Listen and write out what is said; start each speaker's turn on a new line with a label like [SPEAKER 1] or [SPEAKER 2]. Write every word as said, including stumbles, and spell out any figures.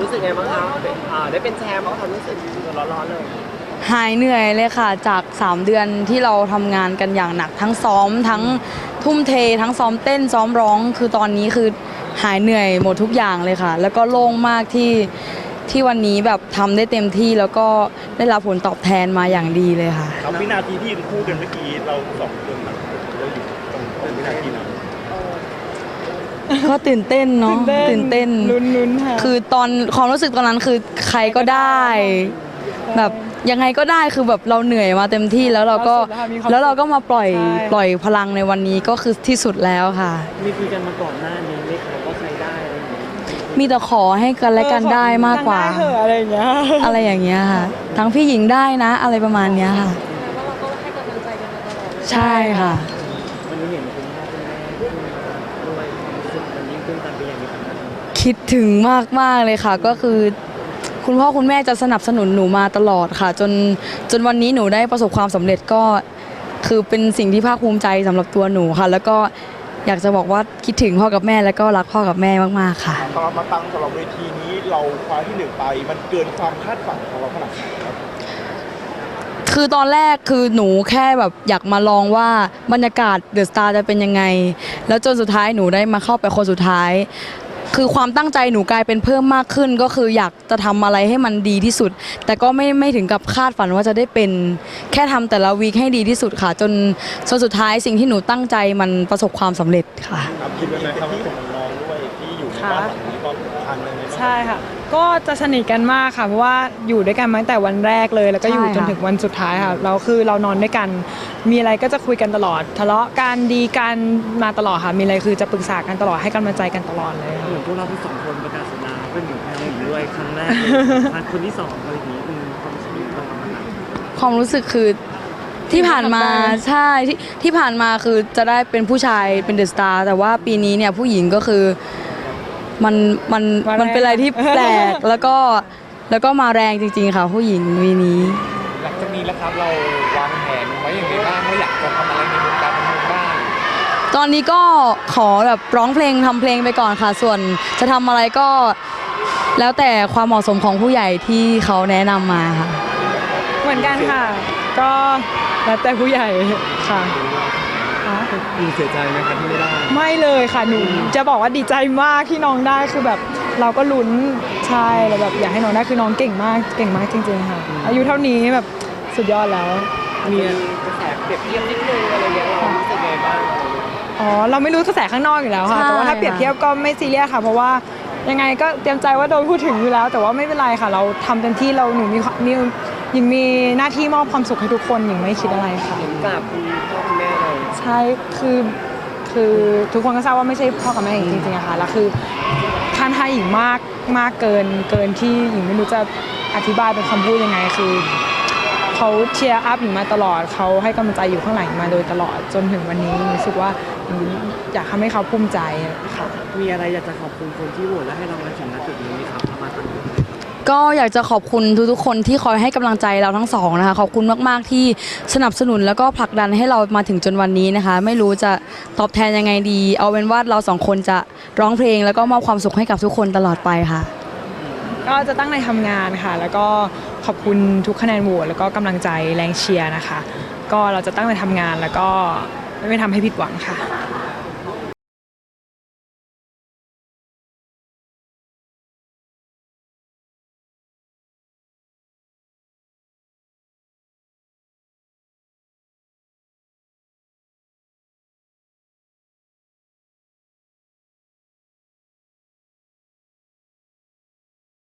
[SPEAKER 1] รู้สึกไงบ้างคะอ่าได้เป็นแชมป์ความรู้สึกร้อนๆเลย
[SPEAKER 2] หายเหนื่อยเลยค่ะจากสามเดือนที่เราทำงานกันอย่างหนักทั้งซ้อมทั้งทุ่มเททั้งซ้อมเต้นซ้อมร้องคือตอนนี้คือหายเหนื่อยหมดทุกอย่างเลยค่ะแล้วก็โล่งมากที่ที่วันนี้แบบทำได้เต็มที่แล้วก็ได้รับผลตอบแทนมาอย่างดีเลยค่ะ
[SPEAKER 3] ครับวินาทีที่คู่กันเมื่อกี้เราสองคนแบบเราอยู่ตรงตรงวินาทีนั้น
[SPEAKER 2] ก็ตื่นเต้นเนาะตื่นเต้นลุ้นๆค่ะคือตอนความรู้สึกตอนนั้นคือใครก็ได้แบบยังไงก็ได้คือแบบเราเหนื่อยมาเต็มที่แล้วเราก็แล้วเราก็มาปล่อยปล่อยพลังในวันนี้ก็คือที่สุดแล้วค่ะ
[SPEAKER 1] มีคุยกันมาก่อนหน้านี้ไหมคะว่าใครได้อะไรอย่างเงี้ย
[SPEAKER 2] มีแต่ขอให้กันและกันได้มากกว่า
[SPEAKER 4] อะไรอย่างเงี้ย
[SPEAKER 2] อะไรอย่างเงี้ยค่ะทั้งพี่หญิงได้นะอะไรประมาณเนี้ยค่ะ
[SPEAKER 4] แล้วเราก็ให้กำลังใจกันมาตลอด
[SPEAKER 2] ใช่ค่ะ
[SPEAKER 1] วันนี้เห็นคุณพ่อคุณแม่ขึ้นมาด้วยความรู้สึกมันยิ่งขึ้นตามไปอย่างนี้ครับ
[SPEAKER 2] คิดถึงมากมากเลยค่ะก็คือคุณพ่อคุณแม่จะสนับสนุนหนูมาตลอดค่ะจนจนวันนี้หนูได้ประสบความสำเร็จก็คือเป็นสิ่งที่ภาคภูมิใจสำหรับตัวหนูค่ะแล้วก็อยากจะบอกว่าคิดถึงพ่อกับแม่แล้วก็รักพ่อกับแม่มากๆค่ะ
[SPEAKER 3] สำหรับมาตังสำหรับเวทีนี้เราคว้าที่หนึ่งไปมันเกินความคาดฝันของเราขนาดไหนครับ
[SPEAKER 2] คือตอนแรกคือหนูแค่แบบอยากมาลองว่าบรรยากาศเดอะสตาร์จะเป็นยังไงแล้วจนสุดท้ายหนูได้มาเข้าไปคนสุดท้ายคือความตั้งใจหนูกลายเป็นเพิ่มมากขึ้นก็คืออยากจะทำอะไรให้มันดีที่สุดแต่ก็ไม่ไม่ถึงกับคาดฝันว่าจะได้เป็นแค่ทำแต่ละวีคให้ดีที่สุดค่ะจนจนสุดท้ายสิ่งที่หนูตั้งใจมันประสบความสำเร็จค่ะ
[SPEAKER 3] ครับคิดไว้ไหมครับที่ของน้องด้วยที่อยู่ในบ้านหลังนี้ก็ทันเลยไหม
[SPEAKER 4] ใช่ค่ะก็จะสนิทกันมากค่ะเพราะว่าอยู่ด้วยกันมาตั้งแต่วันแรกเลยแล้วก็อยู่จนถึงวันสุดท้ายค่ะเราคือเรานอนด้วยกันมีอะไรก็จะคุยกันตลอดทะเลาะกันดีกันมาตลอดค่ะมีอะไรคือจะปรึกษากันตลอดให้กำลังใจกันตลอดเลย
[SPEAKER 1] เหมือนพวกเราทั้งสองคนประกาศสัญญาเป็นเหมือนแม่หญิงด้วยครั้งแรกเลยคนที่สองอะไรอย่างนี้เป็นความรู้สึกตรงนั้น
[SPEAKER 2] ความรู้สึกคือที่ผ่านมาใช่ที่ที่ผ่านมาคือจะได้เป็นผู้ชายเป็นเดอะสตาร์แต่ว่าปีนี้เนี่ยผู้หญิงก็คือมันมันมันเป็นอะไรที่แปลกแล้วก็แล้วก็มาแรงจริงๆค่ะผู้หญิงวีนี้
[SPEAKER 3] หลังจากนี้แล้วครับเราวางแผนไว้อย่างไรบ้างว่าอยากจะทำอะไรในวงการบันเทิงบ้าง
[SPEAKER 2] ตอนนี้ก็ขอแบบร้องเพลงทำเพลงไปก่อนค่ะส่วนจะทำอะไรก็แล้วแต่ความเหมาะสมของผู้ใหญ่ที่เขาแนะนำมาค่ะ
[SPEAKER 4] เหมือนกันค่ะก็แล้วแต่ผู้ใหญ่ค่ะ
[SPEAKER 1] มีเสียใจไหมคะที่ไม่ได้
[SPEAKER 4] ไม่เลยค่ะหนูจะบอกว่าดีใจมากที่น้องได้คือแบบเราก็ลุ้นใช่แล้วแบบอยากให้น้องได้คือน้องเก่งมากเก่งมากจริงๆค่ะอายุเท่านี้แบบสุดยอดแล้ว
[SPEAKER 1] มีกระแสเปรียบเทียบนิดนึงอะไรอย่างเงี้ยเรารู้สึกไงบ้าง
[SPEAKER 4] อ๋อเราไม่รู้กระแสข้างนอกอยู่แล้วค่ะแต่ว่าถ้าเปรียบเทียบก็ไม่ซีเรียสค่ะเพราะว่ายังไงก็เตรียมใจว่าโดนพูดถึงอยู่แล้วแต่ว่าไม่เป็นไรค่ะเราทำเต็มที่เราหนูมีมีหญิงมีหน้าที่มอบความสุขให้ทุกคนหญิงไม่คิดอะไรค่ะ
[SPEAKER 1] กราบคุณพ่อคุณแม่เลย
[SPEAKER 4] ใช่คือคือทุกคนก็ทราบว่าไม่ใช่พ่อกับแม่หญิงจริงๆอะค่ะแล้วคือท่านให้หญิงมากมากเกินเกินที่หญิงไม่รู้จะอธิบายเป็นคำพูดยังไงคือเขาเชียร์อัพหญิงมาตลอดเขาให้กำลังใจอยู่ข้างหลังมาโดยตลอดจนถึงวันนี้รู้สึกว่าอยากทำให้เขาภูมิใจค่ะ
[SPEAKER 1] มีอะไรอยากจะขอบคุณคนที่โหวตและให้เรามาถึงณจุดนี้ไหมครับมาตั้ง
[SPEAKER 2] ก็อยากจะขอบคุณทุกๆคนที่คอยให้กำลังใจเราทั้งสองนะคะขอบคุณมากๆที่สนับสนุนแล้วก็ผลักดันให้เรามาถึงจนวันนี้นะคะไม่รู้จะตอบแทนยังไงดีเอาเป็นว่าเราสองคนจะร้องเพลงแล้วก็มอบความสุขให้กับทุกคนตลอดไปค่ะ
[SPEAKER 4] ก็จะตั้งใจทำงานค่ะแล้วก็ขอบคุณทุกคะแนนโหวตแล้วก็กำลังใจแรงเชียร์นะคะก็เราจะตั้งใจทำงานแล้วก็ไม่ทำให้ผิดหวังค่ะ